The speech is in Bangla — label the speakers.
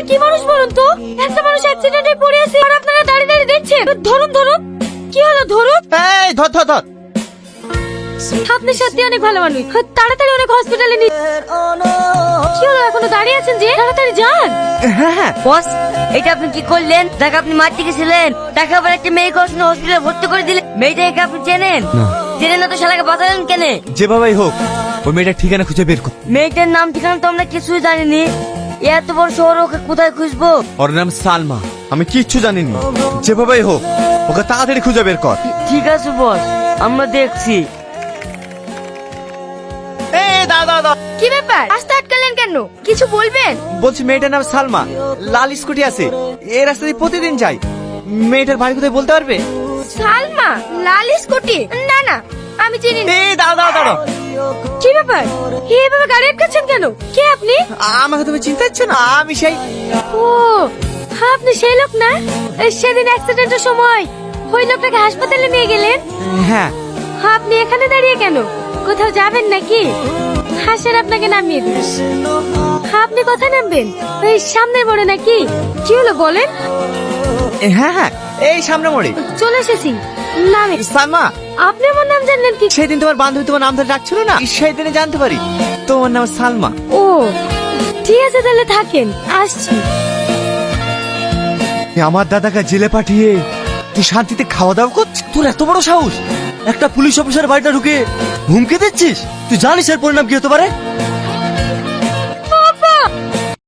Speaker 1: কি মানুষ বলুন তো? একটা মানুষ অ্যাক্সিডেন্টে পড়ে আছে আর আপনারা দাঁড়িয়ে দাঁড়িয়ে দেখছেন। ধরুন ধরুন। কি হলো ধরুন?
Speaker 2: এই ধর ধর ধর।
Speaker 1: আপনি সত্যি অনেক ভালো মানুষ। তাড়াতাড়ি অনেক হসপিটালে নিয়ে। কি হলো এখনো দাঁড়িয়ে আছেন যে? তাড়াতাড়ি যান।
Speaker 2: হ্যাঁ হ্যাঁ।
Speaker 3: বস, এটা আপনি কি করলেন? তাকে আপনি মারতে গেছিলেন, তাকে আবার একটা মেয়েকে হসপিটালে ভর্তি করে দিলেন। মেয়েটাকে আপনি চেনেন? চেনেন না তো শালাকে বাঁচালেন কেন?
Speaker 2: যেভাবেই হোক ওই মেয়েটার ঠিকানা খুঁজে বের কর।
Speaker 3: মেয়েটার নাম ঠিকানা তো আমরা কিছুই জানিনি। এত বড় শহর, ওকে কোথায় খুঁজবো?
Speaker 2: ওর নাম সালমা। আমি কিচ্ছু জানিনি। যেভাবেই হোক ওকে তাড়াতাড়ি খুঁজে বের কর।
Speaker 3: ঠিক আছে বস, আমরা দেখছি।
Speaker 2: এই দাও দাও দাও।
Speaker 1: কি ব্যাপার? রাস্তা আটকালেন কেন? কিছু বলবেন?
Speaker 2: বলছি মেয়েটার নাম সালমা, লাল স্কুটি আছে, এই রাস্তা দিয়ে প্রতিদিন যাই। মেয়েটার বাড়ি কোথায় বলতে পারবে?
Speaker 1: সালমা, লাল স্কুটি? না না, আমি চিনি না।
Speaker 2: এই দাও দাও দাও।
Speaker 1: কি ব্যাপার? এভাবে গাড়ি আটকাচ্ছেন কেন? কে আপনি?
Speaker 2: আমাকে তুমি চিন্তা হচ্ছে না? আমি সেই
Speaker 1: ও, আপনি সেই লোক না? সেদিন অ্যাক্সিডেন্টের সময় ওই লোকটাকে হাসপাতালে নিয়ে গেলেন।
Speaker 2: হ্যাঁ।
Speaker 1: আপনি এখানে দাঁড়িয়ে কেন? কোথাও যাবেন নাকি? হাসের আপনাকে নামিয়ে দিন। আপনি কোথায় নামবেন? ওই সামনে মোড়ে নাকি? কি হলো বলেন?
Speaker 2: হ্যাঁ হ্যাঁ, এই সামনে মোড়ে।
Speaker 1: চলে এসেছি, নামে।
Speaker 2: সালমা,
Speaker 1: আপনি আমার নাম জানলেন কি?
Speaker 2: সেদিন তোমার বান্ধবী তোমার নাম ধরে ডাকছিল না, সেই দিনে জানতে পারি তোমার নাম সালমা।
Speaker 1: ও ঠিক আছে, তাহলে থাকেন, আসছি।
Speaker 2: আমার দাদাকে জেলে পাঠিয়ে তুই শান্তিতে খাওয়া দাওয়া করছিস? তোর এত বড় সাহস, একটা পুলিশ অফিসার বাড়িটা ঢুকে হুমকি দিচ্ছিস? তুই জানিস এর পরিণাম কি হতে পারে?